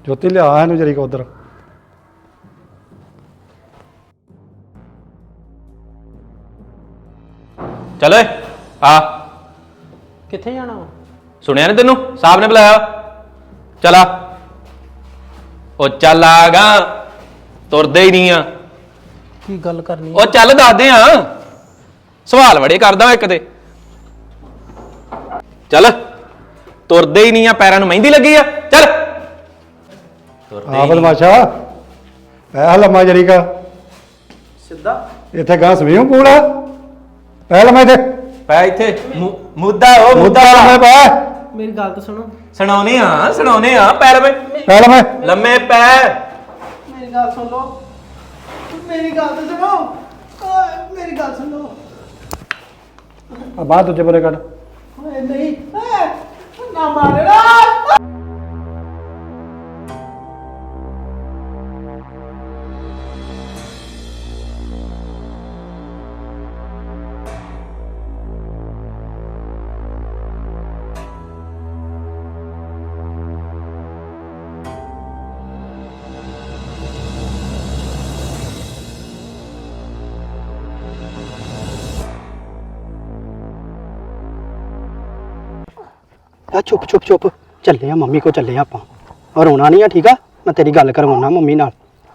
ਜੋਤੀ ਲਿਆ ਇਹਨੂੰ ਜਰੀ ਕੋ ਉਧਰ। ਚੱਲ ਓਏ ਆ। ਕਿੱਥੇ ਜਾਣਾ ਵਾ? ਸੁਣਿਆ ਨੀ ਤੈਨੂੰ? ਸਾਹਿਬ ਨੇ ਬੁਲਾਇਆ। ਚੱਲ ਆ। ਉਹ ਚੱਲ ਆ ਗਾ, ਤੁਰਦੇ ਹੀ ਨਹੀਂ ਆ। ਕੀ ਗੱਲ ਕਰਨੀ? ਉਹ ਚੱਲ ਦੱਸਦੇ ਆ, ਸਵਾਲ ਬੜੇ ਕਰਦਾ ਇੱਕ ਤੇ। ਚੱਲ ਤੁਰਦੇ ਹੀ ਨਹੀਂ ਆ, ਪੈਰਾਂ ਨੂੰ ਮਹਿੰਦੀ ਲੱਗੀ ਆ। ਚੱਲ ਆ ਬਦਮਾਸ਼ਾ, ਪੈ ਲੰਮਾ ਜਰੀ ਕਾ ਸਿੱਧਾ ਇੱਥੇ ਗਾਂ ਸਵੀਓ ਪੂਲ ਆ। ਪੈ ਲੰਮਾ ਇੱਥੇ, ਪੈ ਇੱਥੇ ਮੁੱਦਾ ਉਹ ਮੁੱਦਾ ਲੰਮੇ ਪੈ। ਮੇਰੀ ਗੱਲ ਤਾਂ ਸੁਣੋ। ਸੁਣਾਉਣੇ ਆ ਪੈ ਲੰਮੇ ਪੈ ਲੰਮੇ ਲੰਮੇ ਪੈ। ਮੇਰੀ ਗੱਲ ਸੁਣ ਲਓ, ਮੇਰੀ ਗੱਲ ਤਾਂ ਸੁਣੋ, ਮੇਰੀ ਗੱਲ ਸੁਣ ਲਓ। ਆ ਬਾਹਰ ਦੂਜੇ ਬੰਨੇ ਕੱਢ। ਓਏ ਨਹੀਂ, ਨਾ ਮਾਰਨਾ। ਆ ਚੁੱਪ ਚੁੱਪ ਚੁੱਪ, ਚੱਲੇ ਆ ਮੰਮੀ ਕੋ ਚੱਲੇ ਆ ਆਪਾਂ। ਔਰ ਰੋਣਾ ਨਹੀਂ ਆ, ਠੀਕ ਆ? ਮੈਂ ਤੇਰੀ ਗੱਲ ਕਰਵਾਉਣਾ ਮੰਮੀ ਨਾਲ।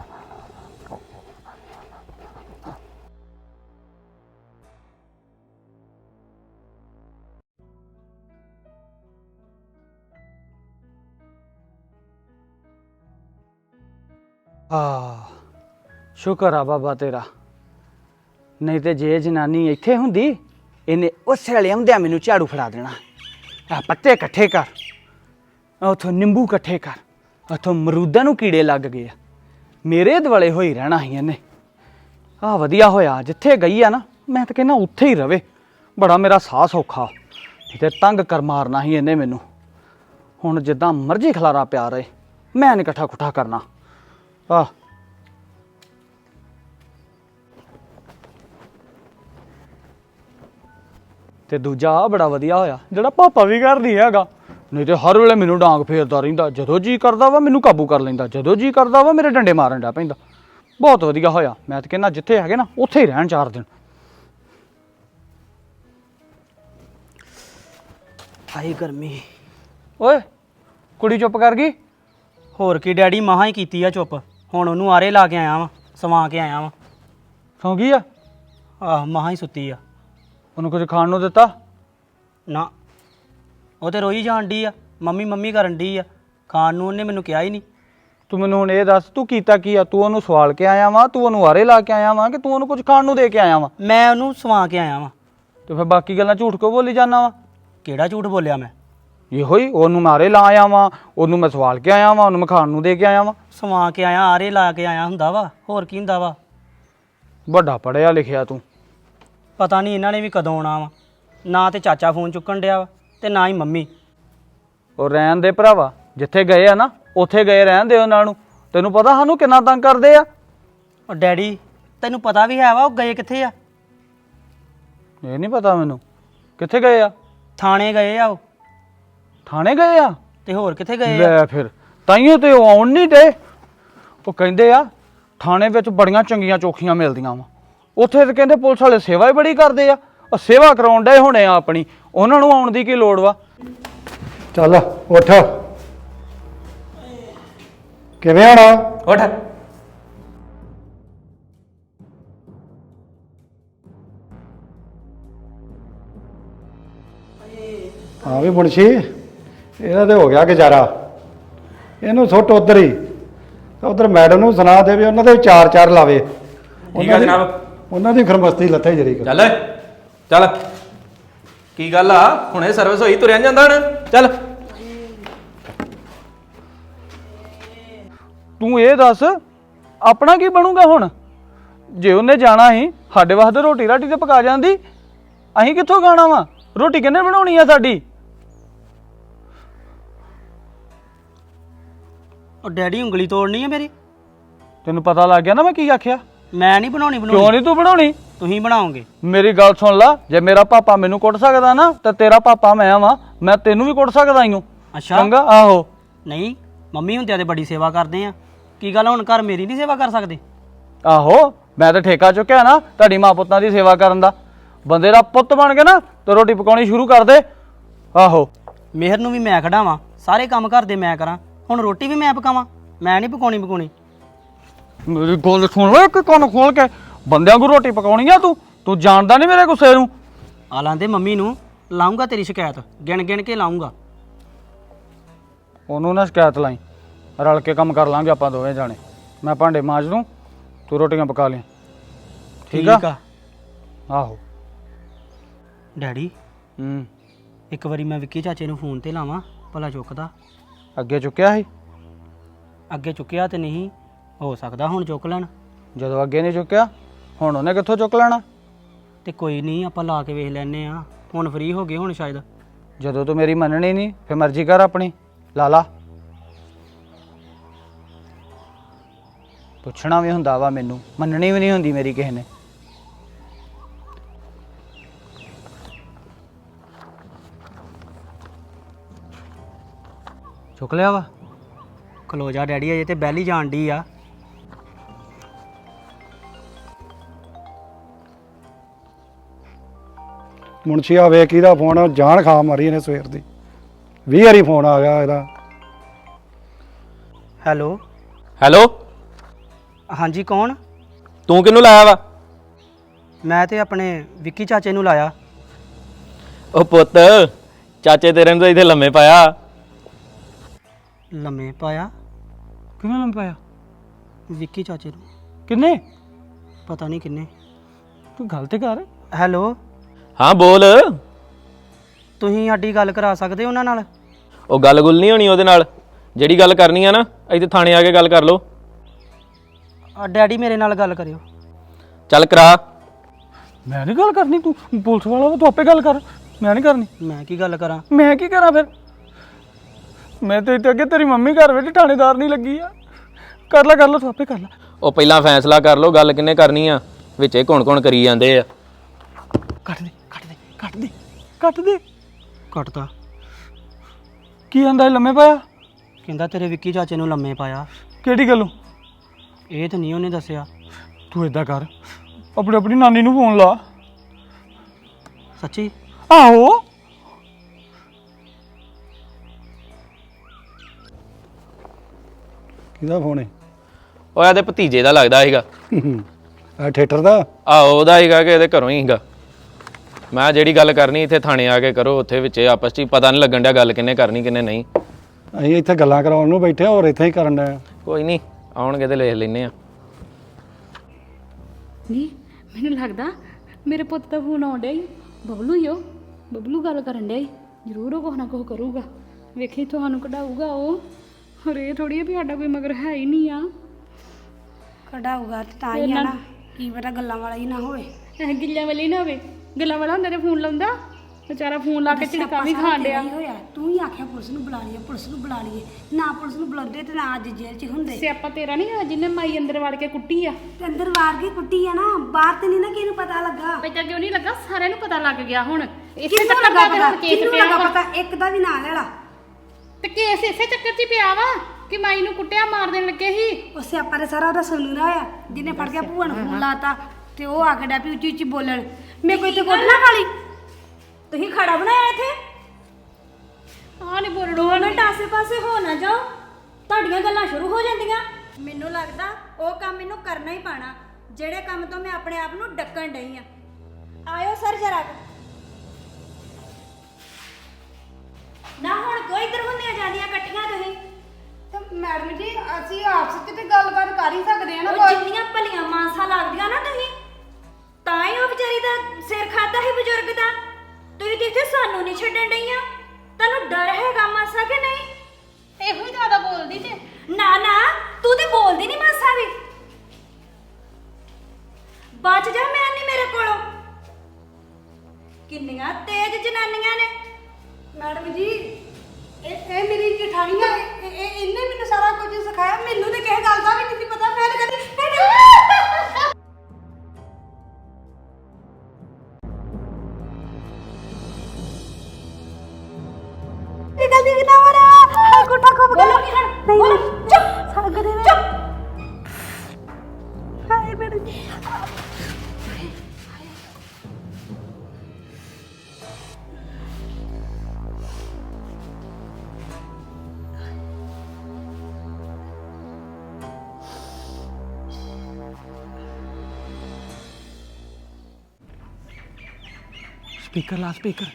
ਸ਼ੁਕਰ ਆ ਬਾਬਾ ਤੇਰਾ, ਨਹੀਂ ਤੇ ਜੇ ਜਨਾਨੀ ਇੱਥੇ ਹੁੰਦੀ ਇਹਨੇ ਉਸੇ ਵੇਲੇ ਆਉਂਦਿਆਂ ਮੈਨੂੰ ਝਾੜੂ ਫੜਾ ਦੇਣਾ। ਆ ਪੱਤੇ ਇਕੱਠੇ ਕਰ, ਉਥੋਂ ਨਿੰਬੂ ਇਕੱਠੇ ਕਰ, ਉਥੋਂ ਮਰੂਦਾਂ ਨੂੰ ਕੀੜੇ ਲੱਗ ਗਏ ਆ, ਮੇਰੇ ਦੁਆਲੇ ਹੋਈ ਰਹਿਣਾ ਸੀ ਇਹਨੇ। ਆ ਵਧੀਆ ਹੋਇਆ ਜਿੱਥੇ ਗਈ ਆ ਨਾ, ਮੈਂ ਤਾਂ ਕਹਿੰਦਾ ਉੱਥੇ ਹੀ ਰਵੇ। ਬੜਾ ਮੇਰਾ ਸਾਹ ਸੌਖਾ, ਤੇ ਤੰਗ ਕਰ ਮਾਰਨਾ ਸੀ ਇਹਨੇ ਮੈਨੂੰ। ਹੁਣ ਜਿੱਦਾਂ ਮਰਜ਼ੀ ਖਲਾਰਾ ਪਿਆ ਰਹੇ, ਮੈਂ ਨਹੀਂ ਇਕੱਠਾ ਕੁੱਠਾ ਕਰਨਾ। ਆ ਤੇ ਦੂਜਾ ਆ ਬੜਾ ਵਧੀਆ ਹੋਇਆ ਜਿਹੜਾ ਪਾਪਾ ਵੀ ਘਰ ਨਹੀਂ ਹੈਗਾ, ਨਹੀਂ ਤੇ ਹਰ ਵੇਲੇ ਮੈਨੂੰ ਡਾਂਗ ਫੇਰਦਾ ਰਹਿੰਦਾ। ਜਦੋਂ ਜੀ ਕਰਦਾ ਵਾ ਮੈਨੂੰ ਕਾਬੂ ਕਰ ਲੈਂਦਾ, ਜਦੋਂ ਜੀ ਕਰਦਾ ਵਾ ਮੇਰੇ ਡੰਡੇ ਮਾਰਨ ਡਾ ਪੈਂਦਾ। ਬਹੁਤ ਵਧੀਆ ਹੋਇਆ, ਮੈਂ ਤਾਂ ਕਹਿੰਦਾ ਜਿੱਥੇ ਹੈਗੇ ਨਾ ਉੱਥੇ ਹੀ ਰਹਿਣ 4 ਦਿਨ। ਹਾਏ ਗਰਮੀ। ਓਏ ਕੁੜੀ ਚੁੱਪ ਕਰ ਗਈ। ਹੋਰ ਕੀ ਡੈਡੀ, ਮਹਾਂ ਹੀ ਕੀਤੀ ਆ ਚੁੱਪ। ਹੁਣ ਉਹਨੂੰ ਆਰੇ ਲਾ ਕੇ ਆਇਆ ਵਾਂ, ਸਵਾ ਕੇ ਆਇਆ ਵਾਂ। ਸੌਂ ਗਈ ਆ? ਆਹ ਮਹਾਂ ਹੀ ਸੁੱਤੀ ਆ। ਉਹਨੂੰ ਕੁਝ ਖਾਣ ਨੂੰ ਦਿੱਤਾ? ਨਾ, ਉਹ ਤੇ ਰੋਈ ਜਾਣ ਡਈ ਆ, ਮੰਮੀ ਮੰਮੀ ਕਰਨ ਡਈ ਆ। ਖਾਣ ਨੂੰ ਉਹਨੇ ਮੈਨੂੰ ਕਿਹਾ ਹੀ ਨਹੀਂ। ਤੂੰ ਮੈਨੂੰ ਹੁਣ ਇਹ ਦੱਸ, ਤੂੰ ਕੀਤਾ ਕੀ ਆ? ਤੂੰ ਉਹਨੂੰ ਸਵਾਲ ਕੇ ਆਇਆ ਵਾ, ਤੂੰ ਉਹਨੂੰ ਆਰੇ ਲਾ ਕੇ ਆਇਆ ਵਾ, ਕਿ ਤੂੰ ਉਹਨੂੰ ਕੁਝ ਖਾਣ ਨੂੰ ਦੇ ਕੇ ਆਇਆ ਵਾ? ਮੈਂ ਉਹਨੂੰ ਸਵਾ ਕੇ ਆਇਆ ਵਾਂ। ਤੇ ਫਿਰ ਬਾਕੀ ਗੱਲਾਂ ਝੂਠ ਕਿਉਂ ਬੋਲੀ ਜਾਂਦਾ ਵਾ? ਕਿਹੜਾ ਝੂਠ ਬੋਲਿਆ ਮੈਂ? ਇਹੋ ਹੀ, ਉਹਨੂੰ ਮੈਂ ਆਰੇ ਲਾ ਆਇਆ ਵਾ, ਉਹਨੂੰ ਮੈਂ ਸਵਾਲ ਕੇ ਆਇਆ ਵਾ, ਉਹਨੂੰ ਮੈਂ ਖਾਣ ਨੂੰ ਦੇ ਕੇ ਆਇਆ ਵਾ। ਸਵਾ ਕੇ ਆਇਆ, ਆਰੇ ਲਾ ਕੇ ਆਇਆ ਹੁੰਦਾ ਵਾ, ਹੋਰ ਕੀ ਹੁੰਦਾ ਵਾ? ਵੱਡਾ ਪੜਿਆ ਲਿਖਿਆ ਤੂੰ। ਪਤਾ ਨਹੀਂ ਇਹਨਾਂ ਨੇ ਵੀ ਕਦੋਂ ਆਉਣਾ ਵਾ। ਨਾ ਤੇ ਚਾਚਾ ਫੋਨ ਚੁੱਕਣ ਡਿਆ ਵਾ, ਤੇ ਨਾ ਹੀ ਮੰਮੀ। ਉਹ ਰਹਿਣ ਦੇ ਭਰਾਵਾ, ਜਿੱਥੇ ਗਏ ਆ ਨਾ ਉੱਥੇ ਗਏ ਰਹਿਣ ਦੇ ਉਹਨਾਂ ਨੂੰ। ਤੈਨੂੰ ਪਤਾ ਸਾਨੂੰ ਕਿੰਨਾ ਤੰਗ ਕਰਦੇ ਆ। ਉਹ ਡੈਡੀ, ਤੈਨੂੰ ਪਤਾ ਵੀ ਹੈ ਵਾ ਉਹ ਗਏ ਕਿੱਥੇ ਆ? ਇਹ ਨਹੀਂ ਪਤਾ ਮੈਨੂੰ। ਕਿੱਥੇ ਗਏ ਆ? ਥਾਣੇ ਗਏ ਆ ਉਹ। ਥਾਣੇ ਗਏ ਆ? ਤੇ ਹੋਰ ਕਿੱਥੇ ਗਏ ਆ? ਲੈ ਫਿਰ ਤਾਈਓ ਤੇ ਉਹ ਆਉਣ ਨਹੀਂ ਦੇ। ਉਹ ਕਹਿੰਦੇ ਆ ਥਾਣੇ ਵਿੱਚ ਬੜੀਆਂ ਚੰਗੀਆਂ ਚੌਖੀਆਂ ਮਿਲਦੀਆਂ ਵਾ। ਉੱਥੇ ਤੇ ਕਹਿੰਦੇ ਪੁਲਿਸ ਵਾਲੇ ਸੇਵਾ ਹੀ ਬੜੀ ਕਰਦੇ ਆ। ਉਹ ਸੇਵਾ ਕਰਾਉਣ ਡਏ ਹੋਣੇ ਆ ਆਪਣੀ, ਉਹਨਾਂ ਨੂੰ ਆਉਣ ਦੀ ਕੀ ਲੋੜ ਵਾ? ਚੱਲ ਉੱਠ, ਕਿਵੇਂ ਹੋਣਾ? ਉੱਠ। ਹਾਂ ਵੀ ਮੁਨਸ਼ੀ, ਇਹਦਾ ਤੇ ਹੋ ਗਿਆ ਗੁਜ਼ਾਰਾ। ਇਹਨੂੰ ਸੁੱਟ ਉਧਰ ਹੀ, ਉਧਰ ਮੈਡਮ ਨੂੰ ਸੁਣਾ ਦੇ ਵੀ ਉਹਨਾਂ ਦੇ 4-4 ਲਾਵੇ। ਠੀਕ ਆ ਜਨਾਬ। ਉਹਨਾਂ ਦੀ ਖਰਮਸਤੀ ਲੱਥੇ ਜਰੀ ਕਰ। ਚੱਲ ਚੱਲ, ਕੀ ਗੱਲ ਆ? ਹੁਣੇ ਸਰਵਿਸ ਹੋਈ, ਤੁਰਿਆ ਨੀ ਜਾਂਦਾ ਹੁਣ। ਚੱਲ ਤੂੰ ਇਹ ਦੱਸ ਆਪਣਾ ਕੀ ਬਣੂਗਾ ਹੁਣ? ਜੇ ਉਹਨੇ ਜਾਣਾ ਸੀ ਸਾਡੇ ਵਾਸਤੇ ਰੋਟੀ ਰਾਟੀ ਤੇ ਪਕਾ ਜਾਂਦੀ, ਅਸੀਂ ਕਿੱਥੋਂ ਖਾਣਾ ਵਾ? ਰੋਟੀ ਕਿਹਨੇ ਬਣਾਉਣੀ ਆ ਸਾਡੀ? ਉਹ ਡੈਡੀ, ਉਂਗਲੀ ਤੋੜਨੀ ਹੈ ਮੇਰੀ? ਤੈਨੂੰ ਪਤਾ ਲੱਗ ਗਿਆ ਨਾ ਮੈਂ ਕੀ ਆਖਿਆ? ਮੈਂ ਨਹੀਂ ਬਣਾਉਣੀ। ਕਿਉਂ ਨਹੀਂ ਤੂੰ ਬਣਾਉਣੀ? ਤੁਸੀਂ ਬਣਾਓਗੇ। ਮੇਰੀ ਗੱਲ ਸੁਣ ਲਾ, ਜੇ ਮੇਰਾ ਪਾਪਾ ਮੈਨੂੰ ਕੁੱਟ ਸਕਦਾ ਨਾ ਤੇ ਤੇਰਾ ਪਾਪਾ ਮੈਂ ਵਾਂ, ਮੈਂ ਤੈਨੂੰ ਵੀ ਕੁੱਟ ਸਕਦਾ ਈਓ। ਅੱਛਾ। ਚੰਗਾ? ਆਹੋ। ਨਹੀਂ, ਮੰਮੀ ਹੁੰਦਿਆਂ ਤੇ ਬੜੀ ਸੇਵਾ ਕਰਦੇ ਆ, ਕੀ ਗੱਲ ਹੁਣ ਘਰ ਮੇਰੀ ਨਹੀਂ ਸੇਵਾ ਕਰ ਸਕਦੇ? ਆਹੋ ਮੈਂ ਤਾਂ ਠੇਕਾ ਚੁੱਕਿਆ ਨਾ ਤੁਹਾਡੀ ਮਾਂ ਪੁੱਤਾਂ ਦੀ ਸੇਵਾ ਕਰਨ ਦਾ। ਬੰਦੇ ਦਾ ਪੁੱਤ ਬਣ ਕੇ ਨਾ ਤੇ ਰੋਟੀ ਪਕਾਉਣੀ ਸ਼ੁਰੂ ਕਰ ਦੇ। ਆਹੋ ਮਿਹਰ ਨੂੰ ਵੀ ਮੈਂ ਖੜਾਵਾਂ, ਸਾਰੇ ਕੰਮ ਘਰ ਦੇ ਮੈਂ ਕਰਾਂ, ਹੁਣ ਰੋਟੀ ਵੀ ਮੈਂ ਪਕਾਵਾਂ? ਮੈਂ ਨਹੀਂ ਪਕਾਉਣੀ। ਮੇਰੀ ਗੱਲ ਸੁਣ ਲੈ, ਇੱਕ ਕੰਨ ਖੋਲ ਕੇ। ਬੰਦਿਆਂ ਨੂੰ ਰੋਟੀ ਪਕਾਉਣੀ ਆ ਤੂੰ ਜਾਣਦਾ ਨਹੀਂ ਮੇਰੇ ਗੁੱਸੇ ਨੂੰ। ਆ ਲਾਂਦੇ ਮੰਮੀ ਨੂੰ, ਲਾਉਂਗਾ ਤੇਰੀ ਸ਼ਿਕਾਇਤ, ਗਿਣ ਕੇ ਲਾਉਂਗਾ। ਉਹਨੂੰ ਨਾ ਸ਼ਿਕਾਇਤ ਲਾਈ, ਰਲ ਕੇ ਕੰਮ ਕਰ ਲਾਂਗੇ ਆਪਾਂ ਦੋਵੇਂ ਜਾਣੇ। ਮੈਂ ਭਾਂਡੇ ਮਾਂਜ ਦੂੰ, ਤੂੰ ਰੋਟੀਆਂ ਪਕਾ ਲਈ। ਠੀਕ ਆ? ਆਹੋ ਡੈਡੀ ਇੱਕ ਵਾਰੀ ਮੈਂ ਵਿੱਕੀ ਚਾਚੇ ਨੂੰ ਫੋਨ ਤੇ ਲਾਵਾਂ, ਭਲਾ ਚੁੱਕਦਾ? ਅੱਗੇ ਚੁੱਕਿਆ ਸੀ? ਅੱਗੇ ਚੁੱਕਿਆ ਤੇ ਨਹੀਂ, ਹੋ ਸਕਦਾ ਹੁਣ ਚੁੱਕ ਲੈਣ। ਜਦੋਂ ਅੱਗੇ ਨਹੀਂ ਚੁੱਕਿਆ ਹੁਣ ਉਹਨੇ ਕਿੱਥੋਂ ਚੁੱਕ ਲੈਣਾ? ਤੇ ਕੋਈ ਨਹੀਂ, ਆਪਾਂ ਲਾ ਕੇ ਵੇਖ ਲੈਨੇ ਆ, ਹੁਣ ਫ੍ਰੀ ਹੋ ਗਏ ਹੁਣ ਸ਼ਾਇਦ। ਜਦੋਂ ਤੂੰ ਮੇਰੀ ਮੰਨਣੀ ਨਹੀਂ ਫਿਰ ਮਰਜ਼ੀ ਕਰ ਆਪਣੀ, ਲਾ ਪੁੱਛਣਾ ਵੀ ਹੁੰਦਾ ਵਾ ਮੈਨੂੰ, ਮੰਨਣੀ ਵੀ ਨਹੀਂ ਹੁੰਦੀ ਮੇਰੀ ਕਿਸੇ ਨੇ। ਚੁੱਕ ਲਿਆ ਵਾ? ਖਲੋ ਜਾ ਡੈਡੀ, ਅਜੇ ਤੇ ਬੈਲ ਹੀ ਜਾਣ ਡਈ ਆ। ਮੁਨਸ਼ੀ ਆ ਵੇਖ ਕਿਹਦਾ ਫੋਨ ਆ, ਜਾਨ ਖਾ ਮਾਰੀ ਇਹਨੇ ਸਵੇਰ ਦੀ। 20 ਵਾਰੀ ਫੋਨ ਆ ਗਿਆ ਇਹਦਾ। ਹੈਲੋ ਹੈਲੋ, ਹਾਂਜੀ ਕੌਣ? ਤੂੰ ਕਿਹਨੂੰ ਲਾਇਆ ਵਾ? ਮੈਂ ਤੇ ਆਪਣੇ ਵਿੱਕੀ ਚਾਚੇ ਨੂੰ ਲਾਇਆ। ਉਹ ਪੁੱਤ, ਚਾਚੇ ਤੇਰੇ ਨੂੰ ਤਾਂ ਇੱਥੇ ਲੰਮੇ ਪਾਇਆ। ਲੰਮੇ ਪਾਇਆ? ਕਿਵੇਂ ਲੰਮ ਪਾਇਆ? ਵਿੱਕੀ ਚਾਚੇ ਨੂੰ। ਕਿੰਨੇ? ਪਤਾ ਨਹੀਂ ਕਿੰਨੇ। ਤੂੰ ਗੱਲ ਤੇ ਕਰ। ਹੈਲੋ, ਹਾਂ ਬੋਲ। ਤੁਸੀਂ ਸਾਡੀ ਗੱਲ ਕਰਾ ਸਕਦੇ ਉਹਨਾਂ ਨਾਲ? ਉਹ ਗੱਲ ਗੁੱਲ ਨਹੀਂ ਹੋਣੀ ਉਹਦੇ ਨਾਲ, ਜਿਹੜੀ ਗੱਲ ਕਰਨੀ ਆ ਨਾ ਇੱਥੇ ਥਾਣੇ ਆ ਕੇ ਗੱਲ ਕਰ ਲਓ। ਡੈਡੀ ਮੇਰੇ ਨਾਲ ਗੱਲ ਕਰਿਓ। ਚੱਲ ਕਰਾ। ਮੈਂ ਨਹੀਂ ਗੱਲ ਕਰਨੀ, ਤੂੰ ਪੁਲਿਸ ਵਾਲਾ ਵਾ, ਤੂੰ ਆਪੇ ਗੱਲ ਕਰ, ਮੈਂ ਨਹੀਂ ਕਰਨੀ। ਮੈਂ ਕੀ ਗੱਲ ਕਰਾਂ? ਮੈਂ ਕੀ ਕਰਾਂ ਫਿਰ? ਮੈਂ ਤੇ ਇੱਥੇ ਅੱਗੇ ਤੇਰੀ ਮੰਮੀ ਘਰ ਵਿੱਚ ਥਾਣੇਦਾਰ ਨਹੀਂ ਲੱਗੀ ਆ। ਕਰ ਲੈ ਤੂੰ ਆਪੇ ਕਰ ਲੈ। ਉਹ ਪਹਿਲਾਂ ਫੈਸਲਾ ਕਰ ਲਓ, ਗੱਲ ਕਿੰਨੇ ਕਰਨੀ ਆ, ਵਿੱਚੇ ਕੌਣ ਕਰੀ ਜਾਂਦੇ ਆ। ਕੱਟ ਦੇ। ਕੱਟਤਾ। ਕੀ ਆਂਦਾ ਲੰਮੇ ਪਾਇਆ? ਕਹਿੰਦਾ ਤੇਰੇ ਵਿੱਕੀ ਚਾਚੇ ਨੂੰ ਲੰਮੇ ਪਾਇਆ। ਕਿਹੜੀ ਗੱਲੋਂ? ਇਹ ਤਾਂ ਨਹੀਂ ਉਹਨੇ ਦੱਸਿਆ। ਤੂੰ ਏਦਾਂ ਕਰ, ਆਪਣੀ ਨਾਨੀ ਨੂੰ ਫੋਨ ਲਾ। ਸੱਚੀ? ਆਹੋ ਕਿਹਦਾ ਫੋਨ ਹੈ? ਉਹ ਇਹਦੇ ਭਤੀਜੇ ਦਾ ਲੱਗਦਾ ਸੀਗਾ। ਆ ਥੀਏਟਰ ਦਾ? ਆਹੋ ਉਹਦਾ ਸੀਗਾ ਕਿ ਇਹਦੇ ਘਰੋਂ ਹੀ ਸੀਗਾ। ਮੈਂ ਜਿਹੜੀ ਗੱਲ ਕਰਨੀ ਇੱਥੇ ਥਾਣੇ ਆ ਕੇ ਕਰੋ, ਉੱਥੇ ਵਿੱਚ ਆਪਸ 'ਚ ਪਤਾ ਨਹੀਂ ਲੱਗਣ ਡਿਆ ਗੱਲ ਕਿੰਨੇ ਕਰਨੀ ਕਿੰਨੇ ਨਹੀਂ। ਅਸੀਂ ਇੱਥੇ ਗੱਲਾਂ ਕਰਾਉਣ ਨੂੰ ਬੈਠੇ, ਹੋਰ ਇੱਥੇ ਹੀ ਕਰਨ ਡਿਆ। ਕੋਈ ਨਹੀਂ, ਆਉਣਗੇ ਤੇ ਲਿਖ ਲੈਨੇ ਆ। ਨਹੀਂ ਮੈਨੂੰ ਲੱਗਦਾ ਮੇਰੇ ਪੁੱਤ ਦਾ ਫੋਨ ਆਉਣ ਡਿਆ ਈ। ਬਬਲੂ ਹੀ ਉਹ, ਬਬਲੂ ਗੱਲ ਕਰਨ ਡਿਆ ਈ। ਜ਼ਰੂਰ ਉਹ ਕੁਛ ਨਾ ਕੁਛ ਕਰੂਗਾ, ਵੇਖੀ ਤੁਹਾਨੂੰ ਕਢਾਊਗਾ ਉਹ। ਹੋਰ ਇਹ ਥੋੜੀ ਆ ਵੀ ਸਾਡਾ ਕੋਈ ਮਗਰ ਹੈ ਹੀ ਨਹੀਂ ਆ। ਕਢਾਊਗਾ ਤੇ ਤਾਂ ਹੀ ਆ ਨਾ, ਕੀ ਪਤਾ ਗੱਲਾਂ ਵਾਲਾ ਹੀ ਨਾ ਹੋਵੇ। ਇਹ ਗਿੱਲਿਆਂ ਵਾਲੀ ਨਾ ਹੋਵੇ, ਗੱਲਾਂ ਵਾਲਾ ਹੁੰਦਾ ਤੇ ਫੋਨ ਲਾਉਂਦਾ। ਵਿਚਾਰਾ ਫੋਨ ਲਾ ਕੇ ਝਿੜਕਾਂ ਵੀ ਖਾਣ ਡਿਆ। ਹੋਇਆ ਤੂੰ ਹੀ ਆਖਿਆ ਪੁਲਿਸ ਨੂੰ ਬੁਲਾ ਲਈਏ, ਪੁਲਿਸ ਨੂੰ ਬੁਲਾ ਲਈਏ। ਨਾ ਪੁਲਿਸ ਨੂੰ ਬੁਲਾਉਂਦੇ ਤੇ ਨਾ ਅੱਜ ਜੇਲ੍ਹ 'ਚ ਹੁੰਦੇ। ਸਿਆਪਾ ਤੇਰਾ ਨਹੀਂ ਹੋਇਆ ਜਿਹਨੇ ਮਾਈ ਅੰਦਰ ਵੜ ਕੇ ਕੁੱਟੀ ਆ। ਤੇ ਅੰਦਰ ਵਾਰ ਕੇ ਕੁੱਟੀ ਆ ਨਾ, ਬਾਹਰ ਤੇ ਨਹੀਂ ਨਾ ਕਿਸੇ ਨੂੰ ਪਤਾ ਲੱਗਾ। ਪਤਾ ਕਿਉਂ ਨਹੀਂ ਲੱਗਾ? ਸਾਰਿਆਂ ਨੂੰ ਪਤਾ ਲੱਗ ਗਿਆ ਹੁਣ। ਇਸੇ ਕਿਹਨੂੰ ਚੱਕਰ ਲੱਗਾ ਦਾ ਪਤਾ? ਹੁਣ ਕੇਸ ਕਿਹਨੂੰ ਪਿਆ ਲੱਗਾ ਵਾ। ਪਤਾ? ਇੱਕ ਦਾ ਵੀ ਨਾਂ ਲੈ ਲਾ। ਤੇ ਕੇਸ ਇਸੇ ਚੱਕਰ 'ਚ ਹੀ ਪਿਆ ਵਾ ਕਿ ਮਾਈ ਨੂੰ ਕੁੱਟਿਆ ਮਾਰ ਦੇਣ ਲੱਗੇ ਸੀ। ਉਹ ਸਿਆਪਾ ਦੇ ਸਾਰਾ ਉਹਦਾ ਸੋਨੂ ਦਾ ਹੋਇਆ, ਜਿਹਨੇ ਫੜ ਕੇ ਭੂਆ ਨੂੰ ਫੋਨ ਲਾਤਾ ਤੇ ਉਹ ਆ ਕੇ ਡੈਪੀ ਉੱਚੀ ਉੱਚੀ ਬੋਲਣ। ਮੈਂ ਕੋਈ ਤੇ ਕੋਟਣਾ ਖਾਲੀ ਤੁਸੀਂ ਖੜਾ ਬਣਾਇਆ ਇੱਥੇ। ਆ ਨਹੀਂ ਬੋਲਣਾ। 2 ਮਿੰਟ ਆਸੇ-ਪਾਸੇ ਹੋ ਨਾ ਜਾਓ, ਤੁਹਾਡੀਆਂ ਗੱਲਾਂ ਸ਼ੁਰੂ ਹੋ ਜਾਂਦੀਆਂ। ਮੈਨੂੰ ਲੱਗਦਾ ਉਹ ਕੰਮ ਮੈਨੂੰ ਕਰਨਾ ਹੀ ਪੈਣਾ, ਜਿਹੜੇ ਕੰਮ ਤੋਂ ਮੈਂ ਆਪਣੇ ਆਪ ਨੂੰ ਡੱਕਣ ਡਈ ਆ। ਆਇਓ ਸਰ ਜਰਾ ਨਾ, ਹੁਣ ਕੋਈ ਇੱਧਰ ਹੁੰਦੀਆਂ ਜਾਂਦੀਆਂ ਇਕੱਠੀਆਂ ਤੁਸੀਂ। ਤੇ ਮੈਡਮ ਜੀ ਅਸੀਂ ਆਪਸ ਵਿੱਚ ਤੇ ਗੱਲਬਾਤ ਕਰ ਹੀ ਸਕਦੇ ਆ ਨਾ। ਉਹ ਜਿੰਨੀਆਂ ਭਲੀਆਂ ਮਾਨਸਾ ਲੱਗਦੀਆਂ ਨਾ ਤੁਸੀਂ, ਤਾਂ ਹੀ ਉਹ ਵਿਚਾਰੀ ਦਾ ਸਿਰ ਖਾਦਾ ਸੀ ਬਜ਼ੁਰਗ ਦਾ। ਤੁਸੀਂ ਤੇ ਇੱਥੇ ਸਾਨੂੰ ਨਹੀਂ ਛੱਡਣ ਡਈਆਂ। ਤੁਹਾਨੂੰ ਡਰ ਹੈਗਾ ਮਾਸਾ ਕਿ ਨਹੀਂ? ਇਹੋ ਹੀ ਜ਼ਿਆਦਾ ਬੋਲਦੀ ਤੇ। ਨਾ ਤੂੰ ਤੇ ਬੋਲਦੀ ਨਹੀਂ ਮਾਸਾ ਵੀ। ਬਚ ਜਾ, ਮੈਂ ਨਹੀਂ ਮੇਰੇ ਕੋਲੋਂ। ਕਿੰਨੀਆਂ ਤੇਜ਼ ਜਨਾਨੀਆਂ ਨੇ। ਮੈਡਮ ਜੀ ਇਹ ਮੇਰੀ ਜਠਾਣੀ ਆ, ਇਹਨੇ ਮੈਨੂੰ ਸਾਰਾ ਕੁਝ ਸਿਖਾਇਆ। ਮੈਨੂੰ ਤੇ ਕਿਸੇ ਗੱਲ ਦਾ ਵੀ ਨਹੀਂ ਸੀ ਪਤਾ। ਮੈਂ ਤਾਂ ਕਦੀ ਨਿਕਲਦੀ ਕਿ ਨਾ ਹੋ ਰਿਹਾ। ਗੁੱਟਾ ਖੁੱਪ ਗਿਆ। ਬੋਲ ਚੁੱਪ ਸਕਦੇ ਨੇ ਚੁੱਪ ਹਾਏ ਮੈਡਮ ਜੀ ਸਪੀਕਰ ਲਾ ਸਪੀਕਰ।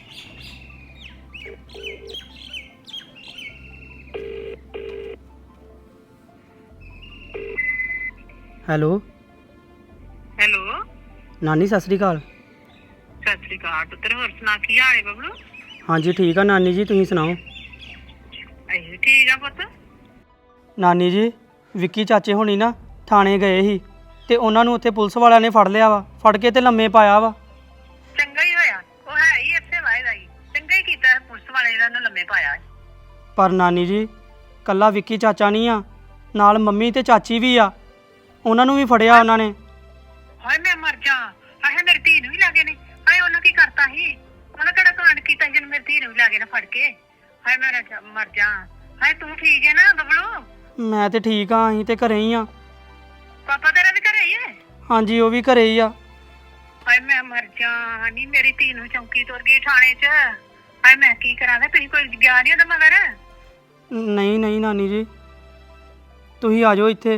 ਹੈਲੋ ਹੈਲੋ ਨਾਨੀ ਸਤਿ ਸ੍ਰੀ ਅਕਾਲ। ਸਤਿ ਸ੍ਰੀ ਅਕਾਲ ਪੁੱਤਰ, ਹੋਰ ਸੁਣਾ ਕੀ ਹਾਲ ਹੈ ਬਬਲੂ? ਹਾਂਜੀ ਠੀਕ ਆ ਨਾਨੀ ਜੀ, ਤੁਸੀਂ ਸੁਣਾਓ? ਅਸੀਂ ਠੀਕ ਆ ਪੁੱਤ। ਨਾਨੀ ਜੀ ਵਿੱਕੀ ਚਾਚੇ ਹੋਣੀ ਨਾ ਥਾਣੇ ਗਏ ਸੀ ਤੇ ਉਹਨਾਂ ਨੂੰ ਉੱਥੇ ਪੁਲਿਸ ਵਾਲਿਆਂ ਨੇ ਫੜ ਲਿਆ ਵਾ, ਫੜ ਕੇ ਤੇ ਲੰਮੇ ਪਾਇਆ ਵਾ। ਚੰਗਾ ਹੀ ਹੋਇਆ, ਉਹ ਹੈ ਹੀ ਇੱਥੇ ਵਾਇਦਾ ਹੀ ਚੰਗਾ ਹੀ ਕੀਤਾ ਪੁਲਿਸ ਵਾਲੇ ਜਿਹੜਾ ਨੂੰ ਲੰਮੇ ਪਾਇਆ। ਪਰ ਨਾਨੀ ਜੀ ਕੱਲਾ ਵਿੱਕੀ ਚਾਚਾ ਨਹੀਂ ਆ, ਨਾਲ ਮੰਮੀ ਤੇ ਚਾਚੀ ਵੀ ਆ, ਉਹਨਾਂ ਨੂੰ ਵੀ ਫੜਿਆ ਉਹਨਾਂ ਨੇ। ਹਾਏ ਮੈਂ ਮਰ ਜਾ, ਹਾਏ ਮੇਰੀ ਧੀ ਨੂੰ ਵੀ ਲਾਗੇ ਨੇ। ਹਾਏ ਉਹਨਾਂ ਕੀ ਕਰਤਾ ਸੀ? ਉਹਨਾਂ ਕਿਹੜਾ ਕਾਂਡ ਕੀਤਾ ਸੀ ਜਿਹਨੂੰ ਮੇਰੀ ਧੀ ਨੂੰ ਵੀ ਲਾਗੇ ਨਾ ਫੜ ਕੇ? ਹਾਏ ਮੈਂ ਮਰ ਜਾ। ਹਾਏ ਤੂੰ ਠੀਕ ਹੈ ਨਾ ਬਬਲੂ? ਮੈਂ ਤੇ ਠੀਕ ਆ, ਅਸੀਂ ਤੇ ਘਰੇ ਹੀ ਆ। ਪਾਪਾ ਤੇਰਾ ਵੀ ਘਰੇ ਹੀ ਹੈ? ਹਾਂਜੀ ਉਹ ਵੀ ਘਰੇ ਹੀ ਆ। ਹਾਏ ਮੈਂ ਮਰ ਜਾ, ਨਹੀਂ ਮੇਰੀ ਧੀ ਨੂੰ ਚੌਂਕੀ ਤੁਰ ਗਈ ਥਾਣੇ 'ਚ। ਹਾਏ ਮੈਂ ਕੀ ਕਰਾਂਗਾ? ਤੁਸੀਂ ਕੋਈ ਗਿਆ ਨਹੀਂ ਉਹਦਾ ਮਗਰ? ਨਹੀਂ ਨਹੀਂ ਨਾਨੀ ਜੀ ਤੁਸੀਂ ਆ ਜਾਓ ਇੱਥੇ।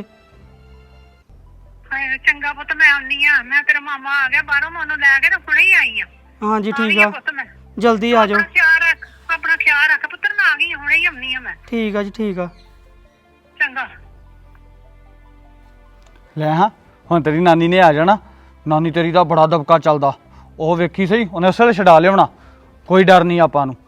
ਹਾਏ ਚੰਗਾ ਪੁੱਤ, ਮੈਂ ਆਉਣੀ ਆ। ਮੈਂ ਤੇਰਾ ਮਾਮਾ ਆ ਗਿਆ ਬਾਹਰੋਂ, ਮੈਂ ਉਹਨੂੰ ਲੈ ਕੇ ਤੇ ਹੁਣੇ ਹੀ ਆਈ ਆ। ਹਾਂਜੀ ਆ ਠੀਕ ਗਈ ਆ, ਪੁੱਤ ਮੈਂ। ਜਲਦੀ ਆ ਜਾਓ। ਆਪਣਾ ਖਿਆਲ ਰੱਖ, ਆਪਣਾ ਖਿਆਲ ਰੱਖ ਪੁੱਤਰ, ਮੈਂ ਆ ਗਈ ਹਾਂ, ਹੁਣੇ ਹੀ ਆਉਣੀ ਆ ਮੈਂ। ਠੀਕ ਆ ਜੀ ਠੀਕ ਆ। ਚੰਗਾ। ਲੈ ਹਾਂ ਹੁਣ ਤੇਰੀ ਨਾਨੀ ਨੇ ਆ ਜਾਣਾ। ਨਾਨੀ ਤੇਰੀ ਦਾ ਬੜਾ ਦਬਕਾ ਚੱਲਦਾ, ਉਹ ਵੇਖੀ ਸਹੀ, ਉਹਨੇ ਉਸੇ ਵੇਲੇ ਛਡਾ ਲਿਆਉਣਾ। ਕੋਈ ਡਰ ਨਹੀਂ ਆਪਾਂ ਨੂੰ।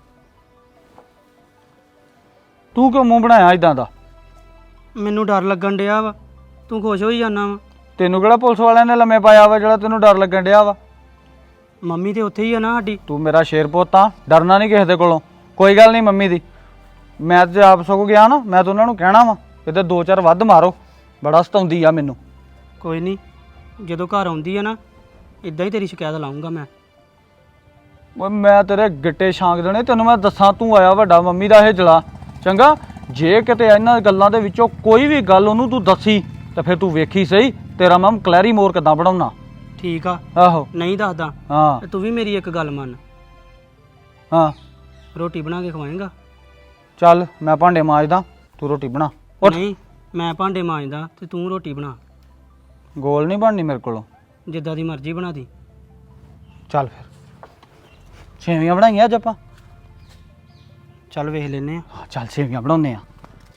ਤੂੰ ਕਿਉਂ ਮੂੰਹ ਬਣਾਇਆ ਇਦਾਂ ਦਾ? ਮੈਨੂੰ ਡਰ ਲੱਗਣ ਡਿਆ ਵਾ, ਤੂੰ ਖੁਸ਼ ਹੋਈ ਜਾਣਾ ਵਾ। ਤੈਨੂੰ ਕਿਹੜਾ ਪੁਲਿਸ ਵਾਲਿਆਂ ਨੇ ਲੰਮੇ ਪਾਇਆ ਵਾ ਜਿਹੜਾ ਤੈਨੂੰ ਡਰ ਲੱਗਣ ਡਿਆ ਵਾ? ਮੰਮੀ ਤੇ ਉੱਥੇ ਹੀ ਆ ਨਾ ਸਾਡੀ। ਤੂੰ ਮੇਰਾ ਸ਼ੇਰ ਪੁੱਤ ਆ, ਡਰਨਾ ਨਹੀਂ ਕਿਸੇ ਦੇ ਕੋਲੋਂ। ਕੋਈ ਗੱਲ ਨਹੀਂ ਮੰਮੀ ਦੀ। ਮੈਂ ਤੇ ਆਪ ਸਗੋਂ ਗਿਆ ਨਾ, ਮੈਂ ਤਾਂ ਉਹਨਾਂ ਨੂੰ ਕਹਿਣਾ ਵਾ ਕਿਤੇ 2-4 ਵੱਧ ਮਾਰੋ, ਬੜਾ ਸਤਾਉਂਦੀ ਆ ਮੈਨੂੰ। ਕੋਈ ਨਹੀਂ, ਜਦੋਂ ਘਰ ਆਉਂਦੀ ਆ ਨਾ ਇਦਾਂ ਹੀ ਤੇਰੀ ਸ਼ਿਕਾਇਤ ਲਾਉਂਗਾ ਮੈਂ। ਓਏ ਮੈਂ ਤੇਰੇ ਗਿੱਟੇ ਛਾਂਗ ਦੇਣੇ ਤੈਨੂੰ। ਮੈਂ ਦੱਸਾਂ ਤੂੰ ਆਇਆ ਵੱਡਾ ਮੰਮੀ ਦਾ ਇਹ ਜਲਾ। ਚੰਗਾ ਜੇ ਕਿਤੇ ਇਹਨਾਂ ਗੱਲਾਂ ਦੇ ਵਿੱਚੋਂ ਕੋਈ ਵੀ ਗੱਲ ਉਹਨੂੰ ਤੂੰ ਦੱਸੀ ਤਾਂ ਫਿਰ ਤੂੰ ਵੇਖੀ ਸਹੀ ਤੇਰਾ ਮੈਂ ਕਲੈਰੀ ਮੋਰ ਕਿੱਦਾਂ ਬਣਾਉਣਾ। ਠੀਕ ਆ, ਆਹੋ ਨਹੀਂ ਦੱਸਦਾ। ਹਾਂ ਤੇ ਤੂੰ ਵੀ ਮੇਰੀ ਇੱਕ ਗੱਲ ਮੰਨ, ਹਾਂ ਰੋਟੀ ਬਣਾ ਕੇ ਖਵਾਏਂਗਾ? ਚੱਲ ਮੈਂ ਭਾਂਡੇ ਮਾਂਜਦਾ, ਤੂੰ ਰੋਟੀ ਬਣਾ। ਉੱਠ। ਨਹੀਂ ਮੈਂ ਭਾਂਡੇ ਮਾਂਜਦਾ ਤੇ ਤੂੰ ਰੋਟੀ ਬਣਾ। ਗੋਲ ਨਹੀਂ ਬਣਨੀ ਮੇਰੇ ਕੋਲੋਂ। ਜਿੱਦਾਂ ਦੀ ਮਰਜ਼ੀ ਬਣਾ ਦੀ। ਚੱਲ ਫਿਰ ਸੇਵੀਆਂ ਬਣਾਈਆਂ ਅੱਜ ਆਪਾਂ। ਚੱਲ ਵੇਖ ਲੈਨੇ ਆ। ਹਾਂ, ਚੱਲ ਸੇਵੀਆਂ ਬਣਾਉਂਦੇ ਆ।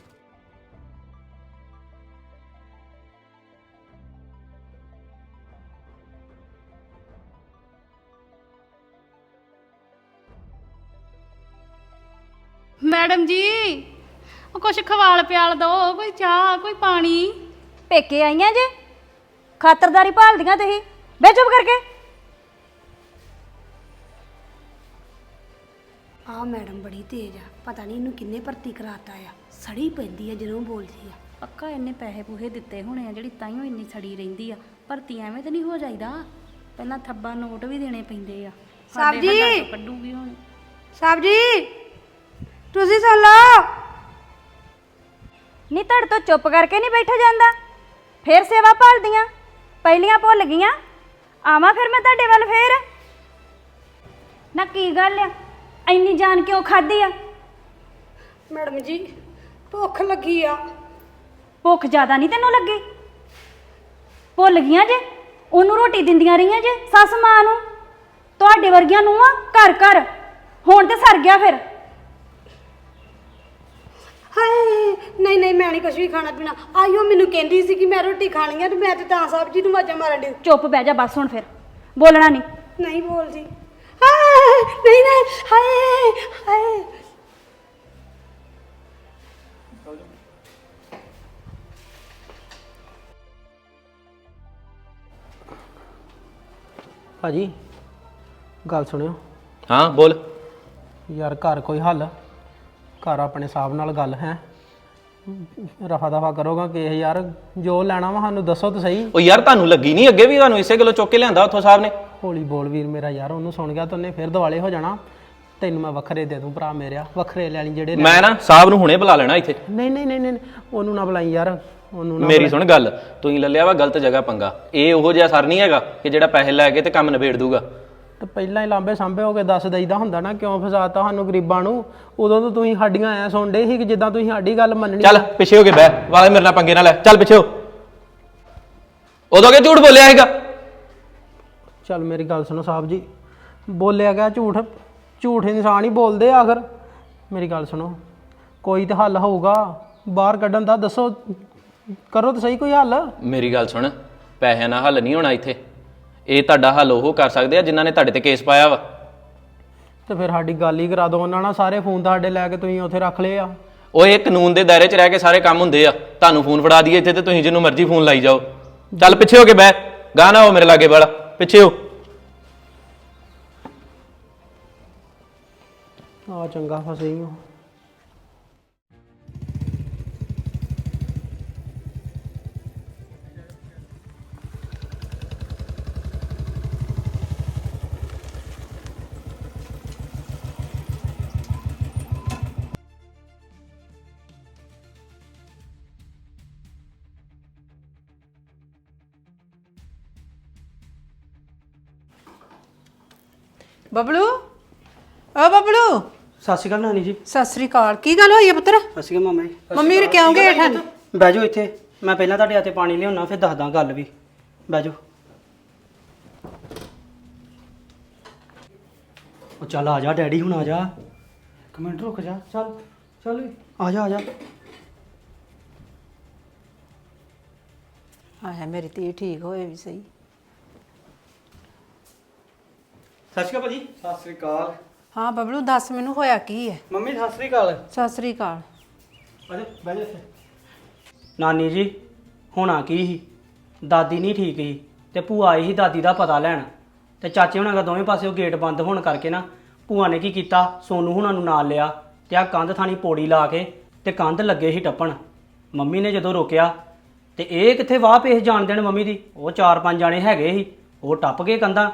ਮੈਡਮ ਜੀ ਉਹ ਕੁਛ ਖਵਾਲ ਪਿਆਲ ਦੋ, ਕੋਈ ਚਾਹ ਕੋਈ ਪਾਣੀ। ਪੇਕੇ ਆਈਆਂ ਜੇ, ਖਾਤਰਦਾਰੀ ਭਾਲਦੀਆਂ ਤੁਸੀਂ। ਬਹਿ ਚੁੱਪ ਕਰਕੇ। ਆ ਮੈਡਮ ਬੜੀ ਤੇਜ਼ ਆ, ਪਤਾ ਨਹੀਂ ਇਹਨੂੰ ਕਿੰਨੇ ਭਰਤੀ ਕਰਾਤਾ ਆ। ਸੜੀ ਪੈਂਦੀ ਆ ਜਦੋਂ ਬੋਲਦੀ ਆ। ਪੱਕਾ ਇਹਨੇ ਪੈਸੇ ਪੂਹੇ ਦਿੱਤੇ ਹੋਣੇ ਆ ਜਿਹੜੀ ਤਾਈਓ ਇੰਨੀ ਸੜੀ ਰਹਿੰਦੀ ਆ। ਭਰਤੀ ਐਵੇਂ ਤਾਂ ਨਹੀਂ ਹੋ ਜਾਈਦਾ, ਪਹਿਲਾਂ ਥੱਬਾ ਨੋਟ ਵੀ ਦੇਣੇ ਪੈਂਦੇ ਆ। ਸਾਹਿਬ ਜੀ। ਸਾਡੇ ਹੱਥਾਂ ਚੋਂ ਕੱਢੂਗੀ ਹੁਣ। ਸਾਹਿਬ ਜੀ ਤੁਸੀਂ ਸੁਣ ਲਓ। ਨਹੀਂ ਤੁਹਾਡੇ ਤੋਂ ਚੁੱਪ ਕਰਕੇ ਨਹੀਂ ਬੈਠਾ ਜਾਂਦਾ। ਫੇਰ ਸੇਵਾ ਭਾਲਦੀਆਂ, ਪਹਿਲੀਆਂ ਭੁੱਲ ਗਈਆਂ। ਆਵਾਂ ਫਿਰ ਮੈਂ ਤੁਹਾਡੇ ਵੱਲ ਫੇਰ। ਨਾ ਕੀ ਗੱਲ ਆ, ਇੰਨੀ ਜਾਨ ਕਿਉਂ ਖਾਦੀ ਆ? ਮੈਡਮ ਜੀ ਭੁੱਖ ਲੱਗੀ ਆ। ਭੁੱਖ ਜ਼ਿਆਦਾ ਨਹੀਂ ਤੈਨੂੰ ਲੱਗੀ? ਭੁੱਲ ਗਈਆਂ ਜੇ, ਉਹਨੂੰ ਰੋਟੀ ਦਿੰਦੀਆਂ ਰਹੀਆਂ ਜੇ ਸੱਸ ਮਾਂ ਨੂੰ। ਤੁਹਾਡੇ ਵਰਗੀਆਂ ਨੂੰ ਆ ਘਰ ਘਰ, ਹੁਣ ਤੇ ਸਰ ਗਿਆ ਫਿਰ। ਹਾਏ ਨਹੀਂ ਨਹੀਂ, ਮੈਂ ਨਹੀਂ ਕੁਝ ਵੀ ਖਾਣਾ ਪੀਣਾ। ਆਇਓ ਮੈਨੂੰ ਕਹਿੰਦੀ ਸੀ ਕਿ ਮੈਂ ਰੋਟੀ ਖਾਣੀ ਆ ਤੇ ਮੈਂ ਤੇ ਤਾਂ ਸਾਹਿਬ ਜੀ ਨੂੰ ਆਵਾਜ਼ਾਂ ਮਾਰਨ ਡਈ। ਚੁੱਪ ਬਹਿ ਜਾ ਬਸ ਹੁਣ, ਫਿਰ ਬੋਲਣਾ ਨਹੀਂ। ਨਹੀਂ ਬੋਲਦੀ। ਹਾਏ ਨਹੀਂ ਨਹੀਂ, ਹਾਏ ਹਾਏ। ਭਾਜੀ ਗੱਲ ਸੁਣਿਓ ਹਾਂ ਬੋਲ। ਯਾਰ, ਘਰ ਕੋਈ ਹੱਲ? ਘਰ ਆਪਣੇ ਹਿਸਾਬ ਨਾਲ ਗੱਲ ਹੈ। ਰਫਾ ਦਫਾ ਕਰੋਗਾ ਕਿ ਯਾਰ ਜੋ ਲੈਣਾ ਵਾ ਸਾਨੂੰ ਦੱਸੋ ਤਾਂ ਸਹੀ। ਉਹ ਯਾਰ ਤੁਹਾਨੂੰ ਲੱਗੀ ਨਹੀਂ ਅੱਗੇ ਵੀ ਤੁਹਾਨੂੰ ਇਸੇ ਗੱਲੋਂ ਚੁੱਕ ਕੇ ਲਿਆਂਦਾ ਉੱਥੋਂ ਸਾਹਿਬ ਨੇ? ਹੌਲੀ ਬੋਲ ਵੀਰ ਮੇਰਾ, ਯਾਰ ਉਹਨੂੰ ਸੁਣ ਗਿਆ ਤਾਂ ਉਹਨੇ ਫਿਰ ਦਿਵਾਲੇ ਹੋ ਜਾਣਾ। ਤੈਨੂੰ ਮੈਂ ਵੱਖਰੇ ਦੇ ਦੂੰ ਭਰਾ ਮੇਰਿਆ, ਵੱਖਰੇ ਲੈ ਲਈ ਜਿਹੜੇ ਮੈਂ ਨਾ ਸਾਹਿਬ ਨੂੰ ਹੁਣੇ ਬੁਲਾ ਲੈਣਾ ਇੱਥੇ। ਨਹੀਂ ਨਹੀਂ ਨਹੀਂ ਨਹੀਂ ਉਹਨੂੰ ਨਾ ਬੁਲਾਈ ਯਾਰ, ਉਹਨੂੰ ਨਾ ਮੇਰੀ ਸੁਣ ਗੱਲ, ਤੁਸੀਂ ਲੱਲਿਆ ਵਾ ਗਲਤ ਜਗ੍ਹਾ ਪੰਗਾ। ਇਹ ਉਹੋ ਜਿਹਾ ਸਰ ਨਹੀਂ ਹੈਗਾ ਕਿ ਜਿਹੜਾ ਪੈਸੇ ਲੈ ਕੇ ਤੇ ਕੰਮ ਨਿਬੇੜ ਦੂਗਾ। ਤੇ ਪਹਿਲਾਂ ਹੀ ਲਾਂਬੇ ਸਾਂਭੇ ਹੋ ਕੇ ਦੱਸ ਦਈਦਾ ਹੁੰਦਾ ਨਾ, ਕਿਉਂ ਫਸਾਤਾ ਸਾਨੂੰ ਗਰੀਬਾਂ ਨੂੰ। ਉਦੋਂ ਤਾਂ ਤੁਸੀਂ ਸਾਡੀਆਂ ਐ ਸੁਣਦੇ ਸੀ ਕਿ ਜਿੱਦਾਂ ਤੁਸੀਂ ਸਾਡੀ ਗੱਲ ਮੰਨਣੀ। ਚੱਲ ਪਿੱਛੇ ਹੋ ਕੇ ਬਹਿ, ਵਾਲੇ ਮੇਰੇ ਨਾਲ ਪੰਗੇ ਨਾ ਲੈ, ਚੱਲ ਪਿੱਛੇ ਹੋ। ਉਦੋਂ ਕਿ ਝੂਠ ਬੋਲਿਆ ਹੈਗਾ? ਚੱਲ ਮੇਰੀ ਗੱਲ ਸੁਣੋ ਸਾਹਿਬ ਜੀ, ਬੋਲਿਆ ਗਿਆ ਝੂਠ? ਝੂਠ ਇਨਸਾਨ ਹੀ ਬੋਲਦੇ ਆ ਆਖਰ। ਮੇਰੀ ਗੱਲ ਸੁਣੋ, ਕੋਈ ਤਾਂ ਹੱਲ ਹੋਊਗਾ ਬਾਹਰ ਕੱਢਣ ਦਾ, ਦੱਸੋ ਕਰੋ ਤਾਂ ਸਹੀ ਕੋਈ ਹੱਲ। ਮੇਰੀ ਗੱਲ ਸੁਣ, ਪੈਸਿਆਂ ਨਾਲ ਹੱਲ ਨਹੀਂ ਹੋਣਾ ਇੱਥੇ। ਇਹ ਤੁਹਾਡਾ ਹੱਲ ਉਹ ਕਰ ਸਕਦੇ ਆ ਜਿਨ੍ਹਾਂ ਨੇ ਤੁਹਾਡੇ ਤੇ ਕੇਸ ਪਾਇਆ ਵਾ। ਤੇ ਫਿਰ ਸਾਡੀ ਗੱਲ ਹੀ ਕਰਾ ਦਿਓ ਉਹਨਾਂ ਨਾਲ, ਸਾਰੇ ਫੋਨ ਤੁਹਾਡੇ ਲੈ ਕੇ ਤੁਸੀਂ ਉੱਥੇ ਰੱਖ ਲਏ ਆ। ਉਹ ਇਹ ਕਾਨੂੰਨ ਦੇ ਦਾਇਰੇ 'ਚ ਰਹਿ ਕੇ ਸਾਰੇ ਕੰਮ ਹੁੰਦੇ ਆ। ਤੁਹਾਨੂੰ ਫੋਨ ਫੜਾ ਦਈਏ ਇੱਥੇ ਤੇ ਤੁਸੀਂ ਜਿਹਨੂੰ ਮਰਜ਼ੀ ਫੋਨ ਲਾਈ ਜਾਓ। ਚੱਲ ਪਿੱਛੇ ਹੋ ਕੇ ਬਹਿ, ਗਾਣਾ ਹੋ ਮੇਰੇ ਲਾਗੇ ਵਾਲਾ, ਪਿੱਛੇ ਹੋ। ਆ ਚੰਗਾ ਫਸੇ ਹੀ ਹੋ। ਬਬਲੂ, ਓ ਬਬਲੂ। ਸਤਿ ਸ਼੍ਰੀ ਅਕਾਲ ਨਾਨੀ ਜੀ। ਸਤਿ ਸ੍ਰੀ ਅਕਾਲ। ਕੀ ਗੱਲ ਹੋਈ ਹੈ ਪੁੱਤਰ? ਸਤਿ ਸ਼੍ਰੀ ਅਕਾਲ ਮਾਮਾ ਜੀ। ਮੰਮੀ ਨੇ ਕਿਉਂ ਗਏ ਠੰਡ? ਬਹਿ ਜਾਓ ਇੱਥੇ, ਮੈਂ ਪਹਿਲਾਂ ਤੁਹਾਡੇ ਹੱਥੇ ਪਾਣੀ ਲਿਆਉਣਾ, ਫਿਰ ਦੱਸਦਾ ਗੱਲ ਵੀ। ਬਹਿ ਜਾਓ। ਉਹ ਚੱਲ ਆ ਜਾ ਡੈਡੀ, ਹੁਣ ਆ ਜਾ। ਇੱਕ ਮਿੰਟ ਰੁਕ ਜਾ, ਚੱਲ ਚੱਲ ਵੀ ਆ ਜਾ ਆ ਜਾ। ਆਹ ਮੇਰੀ ਧੀ ਠੀਕ ਹੋਏ ਵੀ ਸਹੀ। ਸਤਿ ਸ਼੍ਰੀ ਅਕਾਲ ਭਾਜੀ। ਸਤਿ ਸ਼੍ਰੀ ਅਕਾਲ। ਹਾਂ ਬਬਲੂ ਦੱਸ ਮੈਨੂੰ ਹੋਇਆ ਕੀ ਹੈ? ਮੰਮੀ ਸਤਿ ਸ਼੍ਰੀ ਅਕਾਲ। ਸਤਿ ਸ੍ਰੀ ਅਕਾਲ। ਆ ਜਾ ਬਹਿ ਜਾ ਇੱਥੇ। ਨਾਨੀ ਜੀ ਹੋਣਾ ਕੀ ਸੀ, ਦਾਦੀ ਨਹੀਂ ਠੀਕ ਸੀ ਤੇ ਭੂਆ ਆਈ ਸੀ ਦਾਦੀ ਦਾ ਪਤਾ ਲੈਣ, ਤੇ ਚਾਚੇ ਹੁਣਾਂ ਦਾ ਦੋਵੇਂ ਪਾਸਿਓਂ ਗੇਟ ਬੰਦ ਹੋਣ ਕਰਕੇ ਨਾ ਭੂਆ ਨੇ ਕੀ ਕੀਤਾ, ਸੋਨੂ ਹੁਣਾਂ ਨੂੰ ਨਾਲ ਲਿਆ ਤੇ ਆ ਕੰਧ ਥਾਣੀ ਪੌੜੀ ਲਾ ਕੇ ਤੇ ਕੰਧ ਲੱਗੇ ਸੀ ਟੱਪਣ। ਮੰਮੀ ਨੇ ਜਦੋਂ ਰੋਕਿਆ ਤੇ ਇਹ ਕਿੱਥੇ ਵਾਹ ਪੇਸ ਜਾਣ ਦੇਣ ਮੰਮੀ ਦੀ, ਉਹ 4-5 ਜਾਣੇ ਹੈਗੇ ਸੀ, ਉਹ ਟੱਪ ਗਏ ਕੰਧਾਂ।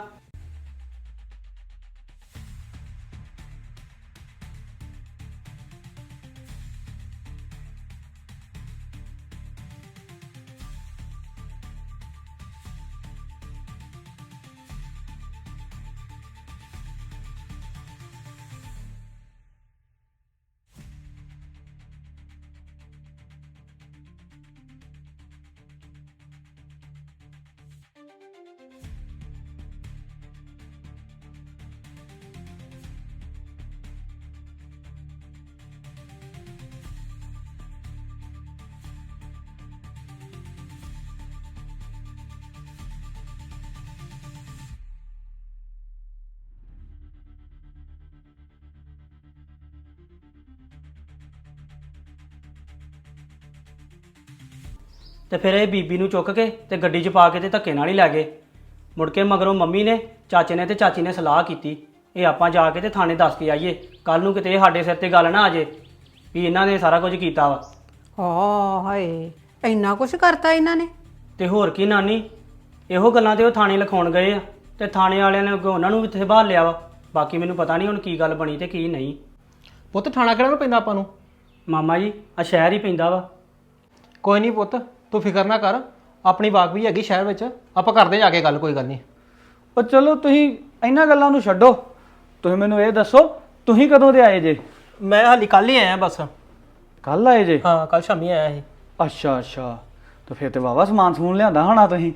ਤੇ ਫਿਰ ਇਹ ਬੀਬੀ ਨੂੰ ਚੁੱਕ ਕੇ ਤੇ ਗੱਡੀ 'ਚ ਪਾ ਕੇ ਤੇ ਧੱਕੇ ਨਾਲ ਹੀ ਲੈ ਗਏ। ਮੁੜ ਕੇ ਮਗਰੋਂ ਮੰਮੀ ਨੇ, ਚਾਚੇ ਨੇ ਤੇ ਚਾਚੀ ਨੇ ਸਲਾਹ ਕੀਤੀ, ਇਹ ਆਪਾਂ ਜਾ ਕੇ ਤੇ ਥਾਣੇ ਦੱਸ ਕੇ ਆਈਏ, ਕੱਲ ਨੂੰ ਕਿਤੇ ਇਹ ਸਾਡੇ ਸਿਰ ਤੇ ਗੱਲ ਨਾ ਆ ਜੇ ਵੀ ਇਹਨਾਂ ਨੇ ਸਾਰਾ ਕੁਝ ਕੀਤਾ ਵਾ। ਹਾਏ ਇੰਨਾ ਕੁਝ ਕਰਤਾ ਇਹਨਾਂ ਨੇ? ਤੇ ਹੋਰ ਕੀ ਨਾਨੀ, ਇਹੋ ਗੱਲਾਂ ਤੇ ਉਹ ਥਾਣੇ ਲਿਖਾਉਣ ਗਏ ਆ ਤੇ ਥਾਣੇ ਵਾਲਿਆਂ ਨੇ ਅੱਗੋਂ ਉਹਨਾਂ ਨੂੰ ਵੀ ਇੱਥੇ ਬਾਹਰ ਲਿਆ ਵਾ। ਬਾਕੀ ਮੈਨੂੰ ਪਤਾ ਨਹੀਂ ਹੁਣ ਕੀ ਗੱਲ ਬਣੀ ਤੇ ਕੀ ਨਹੀਂ। ਪੁੱਤ ਥਾਣਾ ਕਿਹੜਾ ਨੂੰ ਪੈਂਦਾ ਆਪਾਂ ਨੂੰ? ਮਾਮਾ ਜੀ ਆ ਸ਼ਹਿਰ ਹੀ ਪੈਂਦਾ ਵਾ। ਕੋਈ ਨਹੀਂ ਪੁੱਤ, ਤੂੰ ਫਿਕਰ ਨਾ ਕਰ, ਆਪਣੀ ਬਾਗ ਵੀ ਹੈਗੀ ਸ਼ਹਿਰ ਵਿੱਚ, ਆਪਾਂ ਕਰਦੇ ਜਾ ਕੇ ਗੱਲ, ਕੋਈ ਗੱਲ ਨਹੀਂ। ਉਹ ਚਲੋ ਤੁਸੀਂ ਇਹਨਾਂ ਗੱਲਾਂ ਨੂੰ ਛੱਡੋ, ਤੁਸੀਂ ਮੈਨੂੰ ਇਹ ਦੱਸੋ ਤੁਸੀਂ ਕਦੋਂ ਦੇ ਆਏ ਜੇ? ਮੈਂ ਹਾਲੀ ਕੱਲ ਹੀ ਆਇਆ ਬਸ। ਕੱਲ ਆਏ ਜੇ? ਹਾਂ ਕੱਲ ਸ਼ਾਮੀ ਆਇਆ ਸੀ। ਅੱਛਾ ਅੱਛਾ, ਤਾਂ ਫਿਰ ਤੇ ਵਾਵਾ ਸਮਾਨ ਸਮੂਨ ਲਿਆਂਦਾ ਹੋਣਾ ਤੁਸੀਂ।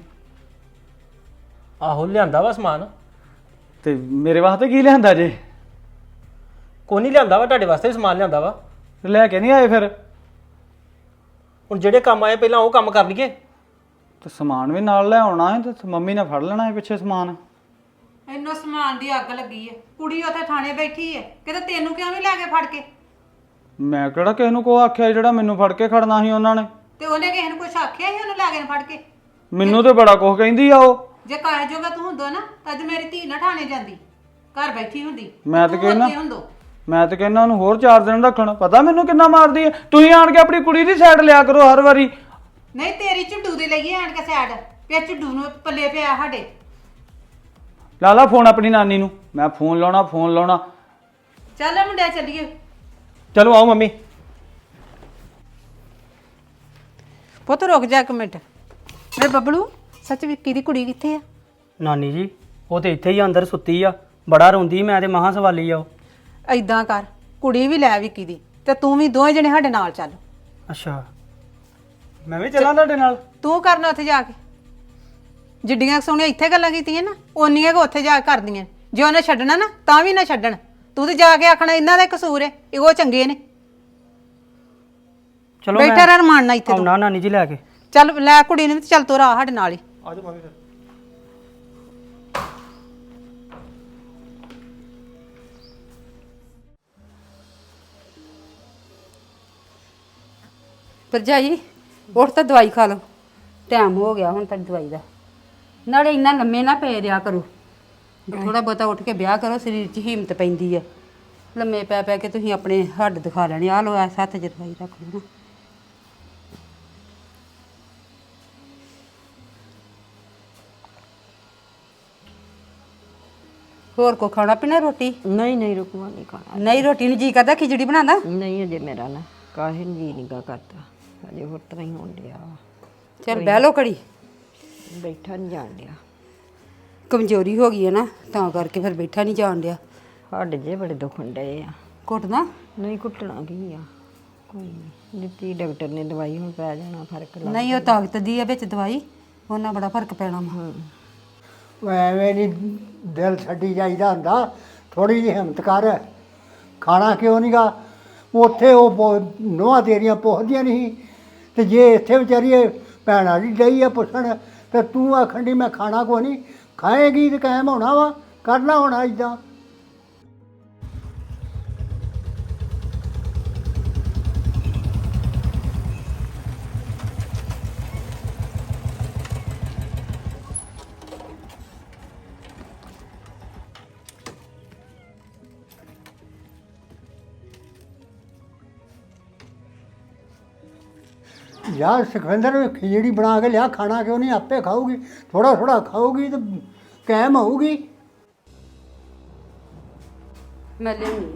ਆਹੋ ਲਿਆਂਦਾ ਵਾ ਸਮਾਨ। ਤੇ ਮੇਰੇ ਵਾਸਤੇ ਕੀ ਲਿਆਂਦਾ ਜੇ? ਕੋਈ ਨਹੀਂ ਲਿਆਂਦਾ ਵਾ, ਤੁਹਾਡੇ ਵਾਸਤੇ ਵੀ ਸਮਾਨ ਲਿਆਂਦਾ ਵਾ। ਲੈ ਕੇ ਨਹੀਂ ਆਏ ਫਿਰ? ਹੁਣ ਜਿਹੜੇ ਕੰਮ ਆਏ ਪਹਿਲਾਂ ਉਹ ਕੰਮ ਕਰ ਲਈਏ। ਤੇ ਸਮਾਨ ਵੀ ਨਾਲ ਲੈ ਆਉਣਾ ਹੈ ਤੇ ਮੰਮੀ ਨੇ ਫੜ ਲੈਣਾ ਹੈ ਪਿੱਛੇ ਸਮਾਨ। ਇੰਨਾ ਸਮਾਨ ਦੀ ਅੱਗ ਲੱਗੀ ਹੈ, ਕੁੜੀ ਉੱਥੇ ਥਾਣੇ ਬੈਠੀ ਹੈ, ਕਿਤੇ ਤੈਨੂੰ ਕਿਉਂ ਨਹੀਂ ਲੈ ਕੇ ਫੜ ਕੇ? ਮੈਂ ਕਿਹੜਾ ਕਿਸੇ ਨੂੰ ਕੋ ਆਖਿਆ ਜਿਹੜਾ ਮੈਨੂੰ ਫੜ ਕੇ ਖੜਨਾ ਸੀ ਉਹਨਾਂ ਨੇ। ਤੇ ਉਹਨੇ ਕਿਸੇ ਨੂੰ ਕੁਛ ਆਖਿਆ ਸੀ ਉਹਨੂੰ ਲੈ ਕੇ ਫੜ ਕੇ? ਮੈਨੂੰ ਤੇ ਬੜਾ ਕੁਝ ਕਹਿੰਦੀ ਆ ਉਹ। ਜੇ ਕਾਹ ਜੋਗਾ ਤੂੰ ਹੁੰਦਾ ਨਾ ਤਾਂ ਅੱਜ ਮੇਰੀ ਧੀ ਨਾ ਥਾਣੇ ਜਾਂਦੀ, ਘਰ ਬੈਠੀ ਹੁੰਦੀ। ਮੈਂ ਤਾਂ ਤੂੰ ਕਹਿਣਾ ਉੱਥੇ ਹੁੰਦੋ। ਮੈਂ ਤਾਂ ਕਹਿੰਦਾ ਉਹਨੂੰ ਹੋਰ 4 ਦਿਨ ਰੱਖਣ। ਪਤਾ ਮੈਨੂੰ ਕਿੰਨਾ ਮਾਰਦੀ ਹੈ। ਤੁਸੀਂ ਆਣ ਕੇ ਆਪਣੀ ਕੁੜੀ ਦੀ ਸਾਈਡ ਲਿਆ ਕਰੋ ਹਰ ਵਾਰੀ। ਨਹੀਂ ਤੇਰੀ ਝੁੱਡੂ ਦੇ ਲਈਏ ਆਣ ਕੇ ਸਾਈਡ, ਪਿਆ ਝੁੱਡੂ ਨੂੰ ਪੱਲੇ ਪਿਆ ਸਾਡੇ। ਲਾ ਲਾ ਫੋਨ ਆਪਣੀ ਨਾਨੀ ਨੂੰ। ਮੈਂ ਫੋਨ ਲਾਉਣਾ ਚੱਲ ਮੁੰਡਿਆ ਚੱਲੀਏ। ਚਲੋ ਆਓ ਮੰਮੀ। ਪੁੱਤ ਰੁਕ ਜਾ ਇੱਕ ਮਿੰਟ। ਵੇ ਬੱਬਲੂ, ਸੱਚ ਵਿੱਕੀ ਦੀ ਕੁੜੀ ਕਿੱਥੇ ਆ? ਨਾਨੀ ਜੀ ਉਹ ਤੇ ਇੱਥੇ ਹੀ ਅੰਦਰ ਸੁੱਤੀ ਆ, ਬੜਾ ਰੋਂਦੀ, ਮੈਂ ਤੇ ਮਹਾਂ ਸਵਾਲੀ ਆ ਉਹ। ਐਦਾਂ ਕਰ, ਕੁੜੀ ਵੀ ਲੈ ਵਿੱਕੀ ਦੀ ਤੇ ਤੂੰ ਵੀ ਦੋਵੇਂ ਜਣੇ ਸਾਡੇ ਨਾਲ ਚੱਲ। ਅੱਛਾ ਮੈਂ ਵੀ ਚੱਲਾਂ ਤੁਹਾਡੇ ਨਾਲ? ਤੂੰ ਕਰਨਾ ਉੱਥੇ ਜਾ ਕੇ ਜਿੱਡੀਆਂ ਸੋਹਣੀਆਂ ਇੱਥੇ ਗੱਲਾਂ ਕੀਤੀਆਂ ਨਾ, ਓਨੀਆਂ ਕੋ ਉੱਥੇ ਜਾ ਕੇ ਕਰਦੀਆਂ। ਜੇ ਉਹਨੇ ਛੱਡਣਾ ਨਾ ਤਾਂ ਵੀ ਨਾ ਛੱਡਣ। ਤੂੰ ਤੇ ਜਾ ਕੇ ਆਖਣਾ ਇਹਨਾਂ ਦਾ ਕਸੂਰ ਹੈ, ਉਹ ਚੰਗੇ ਨੇ। ਚਲੋ ਬੈਠਾ ਰਹਿ ਰਮਾਨ ਨਾਲ ਇੱਥੇ ਤੂੰ। ਆਉਣਾ ਨਾਨੀ ਜੀ ਲੈ ਕੇ। ਚੱਲ ਲੈ ਕੁੜੀ ਨੂੰ ਤੇ ਚੱਲ ਤੂੰ ਰਾਹ ਸਾਡੇ ਨਾਲ ਹੀ। ਆ ਜਾਓ ਮੰਮੀ ਫਿਰ। ਭਰਜਾਈ ਉੱਠ ਤਾਂ ਦਵਾਈ ਖਾ ਲਓ, ਟਾਈਮ ਹੋ ਗਿਆ ਹੁਣ ਤੱਕ ਦਵਾਈ ਦਾ। ਨਾਲੇ ਇੰਨਾ ਲੰਮੇ ਨਾ ਪੈ ਰਿਆ ਕਰੋ, ਥੋੜਾ ਬਹੁਤਾ ਉੱਠ ਕੇ ਵਿਆਹ ਕਰੋ, ਸਰੀਰ 'ਚ ਹਿੰਮਤ ਪੈਂਦੀ ਆ। ਲੰਮੇ ਪੈ ਪੈ ਕੇ ਤੁਸੀਂ ਆਪਣੇ ਹੱਡ ਦਿਖਾ ਲੈਣੇ। ਆ ਲਓ ਐਸ ਹੱਥ 'ਚ ਦਵਾਈ ਰੱਖ ਲਓ ਨਾ। ਹੋਰ ਕੋ ਖਾਣਾ ਪੀਣਾ ਰੋਟੀ? ਨਹੀਂ ਨਹੀਂ ਰੁਕਵਾ ਨਹੀਂ ਖਾਣਾ। ਨਹੀਂ ਰੋਟੀ ਨੂੰ ਜੀ ਕਰਦਾ, ਖਿਚੜੀ ਬਣਾਦਾ? ਨਹੀਂ ਅਜੇ ਮੇਰਾ ਨਾ ਕਾਹੇ ਨੂੰ ਜੀ ਨਿਗਾ ਕਰਦਾ, ਅਜੇ ਹੋਰ ਤਰ੍ਹਾਂ ਹੀ ਹੋਣ ਡਿਆ। ਚੱਲ ਬਹਿ ਲਓ ਘੜੀ। ਬੈਠਾ ਨਹੀਂ ਜਾਣ ਡਿਆ, ਕਮਜ਼ੋਰੀ ਹੋ ਗਈ ਹੈ ਨਾ, ਤਾਂ ਕਰਕੇ ਫਿਰ ਬੈਠਾ ਨਹੀਂ ਜਾਣ ਡਿਆ। ਹੱਡ ਜੇ ਬੜੇ ਦੁਖਣ ਡਏ ਆ। ਘੁੱਟਦਾ? ਨਹੀਂ ਘੁੱਟਣਾ ਕੀ ਆ, ਕੋਈ ਨਹੀਂ ਦਿੱਤੀ ਡਾਕਟਰ ਨੇ ਦਵਾਈ, ਹੁਣ ਪੈ ਜਾਣਾ ਫਰਕ। ਨਹੀਂ ਉਹ ਤਾਕਤ ਦੀ ਆ ਵਿੱਚ ਦਵਾਈ, ਉਹਨਾਂ ਬੜਾ ਫਰਕ ਪੈਣਾ ਵਾ। ਐਵੇਂ ਨਹੀਂ ਦਿਲ ਛੱਡੀ ਜਾਈਦਾ ਹੁੰਦਾ, ਥੋੜੀ ਜਿਹੀ ਹਿੰਮਤ ਕਰ। ਖਾਣਾ ਕਿਉਂ ਨਹੀਂਗਾ? ਉੱਥੇ ਉਹ ਨੋਹਾਂ ਤੇਰੀਆਂ ਪੁੱਛਦੀਆਂ ਨਹੀਂ, ਤੇ ਜੇ ਇੱਥੇ ਵਿਚਾਰੀ ਭੈਣਾਂ ਦੀ ਡਈ ਆ ਪੁੱਛਣ, ਤੇ ਤੂੰ ਆਖਣ ਦੀ ਮੈਂ ਖਾਣਾ ਕੋ ਨਹੀਂ। ਖਾਏਗੀ ਤੇ ਕਾਇਮ ਹੋਣਾ ਵਾ, ਕਰਨਾ ਹੋਣਾ ਇੱਦਾਂ। ਯਾਰ ਸੁਖਵਿੰਦਰ ਖਿਚੜੀ ਬਣਾ ਕੇ ਲਿਆ, ਖਾਣਾ ਕਿਉਂ ਨਹੀਂ? ਆਪੇ ਖਾਊਗੀ, ਥੋੜਾ ਥੋੜਾ ਖਾਊਗੀ ਤੇ ਕਾਇਮ ਹੋਊਗੀ। ਮੈਂ ਲਿਆਉਣੀ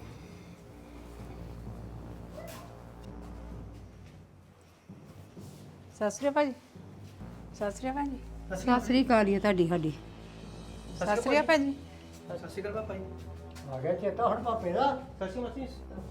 ਸਤਿ ਸ੍ਰੀ ਅਕਾਲ ਜੀ। ਸਤਿ ਸ੍ਰੀ ਅਕਾਲ ਜੀ। ਸਤਿ ਸ੍ਰੀ ਅਕਾਲ ਜੀ ਤੁਹਾਡੀ ਸਾਡੀ। ਸਤਿ ਸ੍ਰੀ ਅਕਾਲ ਜੀ। ਸਤਿ ਸ਼੍ਰੀ ਅਕਾਲ ਪਾਪਾ ਜੀ। ਆ ਗਿਆ ਚੇਤਾ ਹੁਣ ਪਾਪੇ ਦਾ। ਸਤਿ ਸ਼੍ਰੀ ਅਕਾਲ।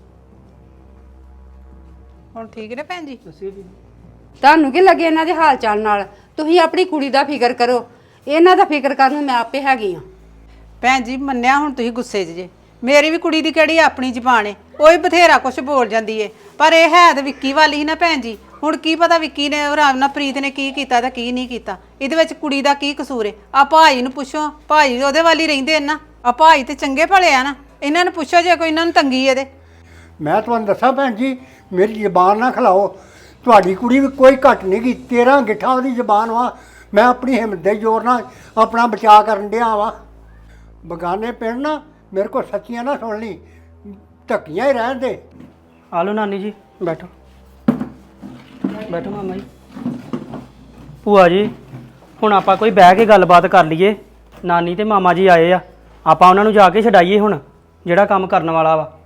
ਹੁਣ ਠੀਕ ਨੇ ਭੈਣ ਜੀ? ਤੁਹਾਨੂੰ ਕੀ ਲੱਗੇ ਇਹਨਾਂ ਦੇ ਹਾਲ ਚਾਲ ਨਾਲ? ਤੁਸੀਂ ਆਪਣੀ ਕੁੜੀ ਦਾ ਫਿਕਰ ਕਰੋ, ਇਹਨਾਂ ਦਾ ਫਿਕਰ ਕਰਨ ਨੂੰ ਮੈਂ ਆਪੇ ਹੈਗੀ ਆ। ਭੈਣ ਜੀ ਮੰਨਿਆ ਹੁਣ ਤੁਸੀਂ ਗੁੱਸੇ 'ਚ ਜੇ, ਮੇਰੀ ਵੀ ਕੁੜੀ ਦੀ ਕਿਹੜੀ ਆਪਣੀ ਜ਼ਬਾਨ ਏ, ਉਹ ਵੀ ਬਥੇਰਾ ਕੁਝ ਬੋਲ ਜਾਂਦੀ ਏ, ਪਰ ਇਹ ਹੈ ਤੇ ਵਿੱਕੀ ਵਾਲੀ ਹੀ ਨਾ ਭੈਣ ਜੀ। ਹੁਣ ਕੀ ਪਤਾ ਵਿੱਕੀ ਨੇ ਰਾਮ ਨਾਲ ਪ੍ਰੀਤ ਨੇ ਕੀ ਕੀਤਾ ਤੇ ਕੀ ਨਹੀਂ ਕੀਤਾ, ਇਹਦੇ ਵਿੱਚ ਕੁੜੀ ਦਾ ਕੀ ਕਸੂਰ ਏ? ਆ ਭਾਈ ਨੂੰ ਪੁੱਛੋ, ਭਾਈ ਉਹਦੇ ਵਾਲੀ ਰਹਿੰਦੇ ਨਾ, ਆ ਭਾਈ ਤੇ ਚੰਗੇ ਭਲੇ ਆ ਨਾ, ਇਹਨਾਂ ਨੂੰ ਪੁੱਛੋ ਜੇ ਕੋਈ ਇਹਨਾਂ ਨੂੰ ਤੰਗੀ ਇਹਦੇ। ਮੈਂ ਤੁਹਾਨੂੰ ਦੱਸਾਂ ਭੈਣ ਜੀ, ਮੇਰੀ ਜ਼ਬਾਨ ਨਾ ਖਿਲਾਓ। ਤੁਹਾਡੀ ਕੁੜੀ ਵੀ ਕੋਈ ਘੱਟ ਨਹੀਂ ਗੀ, 13 ਗਿੱਠਾਂ ਉਹਦੀ ਜ਼ਬਾਨ ਵਾ। ਮੈਂ ਆਪਣੀ ਹਿੰਮਤ ਦੇ ਜ਼ੋਰ ਨਾਲ ਆਪਣਾ ਬਚਾਅ ਕਰਨ ਡਿਆ ਵਾ। ਬਗਾਨੇ ਪਿੰਡ ਨਾ ਮੇਰੇ ਕੋਲ ਸੱਚੀਆਂ ਨਾ ਸੁਣ ਲਈ, ਢੱਕੀਆਂ ਹੀ ਰਹਿਣ ਦੇ। ਆ ਲਓ ਨਾਨੀ ਜੀ, ਬੈਠੋ ਬੈਠੋ ਮਾਮਾ ਜੀ। ਭੂਆ ਜੀ ਹੁਣ ਆਪਾਂ ਕੋਈ ਬਹਿ ਕੇ ਗੱਲਬਾਤ ਕਰ ਲਈਏ। ਨਾਨੀ ਤੇ ਮਾਮਾ ਜੀ ਆਏ ਆ, ਆਪਾਂ ਉਹਨਾਂ ਨੂੰ ਜਾ ਕੇ ਛਡਾਈਏ ਹੁਣ ਜਿਹੜਾ ਕੰਮ ਕਰਨ ਵਾਲਾ ਵਾ।